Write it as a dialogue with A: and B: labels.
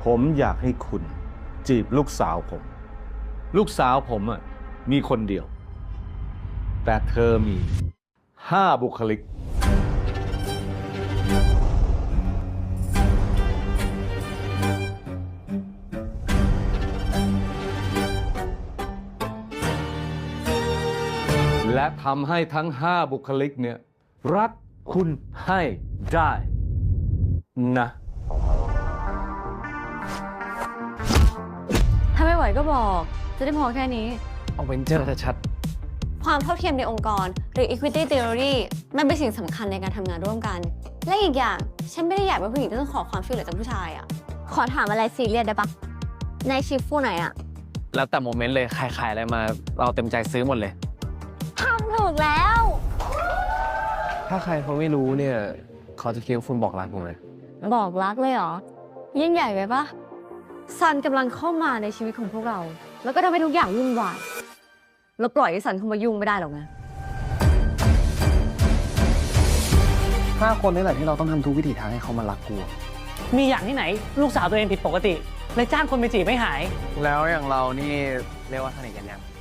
A: ผมอยากให้คุณจีบลูกสาวผม ลูกสาวผมมีคนเดียว แต่เธอมี5 บุคลิก และทำให้ทั้ง5 บุคลิกเนี่ยรักคุณให้ได้นะ
B: ถ้าไม่ไหวก็บอกจะได้พอแค่นี้
C: เอาเวนเจอร์ชัด
B: ความเท่าเทียมในองค์กรหรือ equity theory มันเป็นสิ่งสำคัญในการทำงานร่วมกัน และอีกอย่างฉันไม่ได้อยากเป็นผู้หญิงที่ต้องขอความช่วยเหลือจากผู้ชายอ่ะขอถามอะไรซีเรียสได้ปะในชิฟฟูไหนอ่ะ
C: ๆแล้วแต่โมเมนต์เลยใครขายอะไรมาเราเต็มใจซื้อหมดเลย
B: ทำถูกแล้ว
C: ถ้าใครเขาไม่รู้เนี่ยเขาจะคิดว่าคุณบอกรักผมเลย
B: บอกรักเลยเหรอยิ่งใหญ่ไปปะซันกำลังเข้ามาในชีวิตของพวกเรา แล้วก็ทำให้ทุกอย่างวุ่นวายเราปล่อยให้ซันเข้ามายุ่งไม่ได้หรอกนะ
C: 5 คนนี่แหละที่เราต้องทำทุกวิถีทางให้เขามารักกู
D: มีอย่างที่ไหน ลูกสาวตัวเองผิดปกติเลยจ้างคนไปจีบไม่หาย
C: แล้วอย่างเรานี่เรียกว่าสนิทกันยัง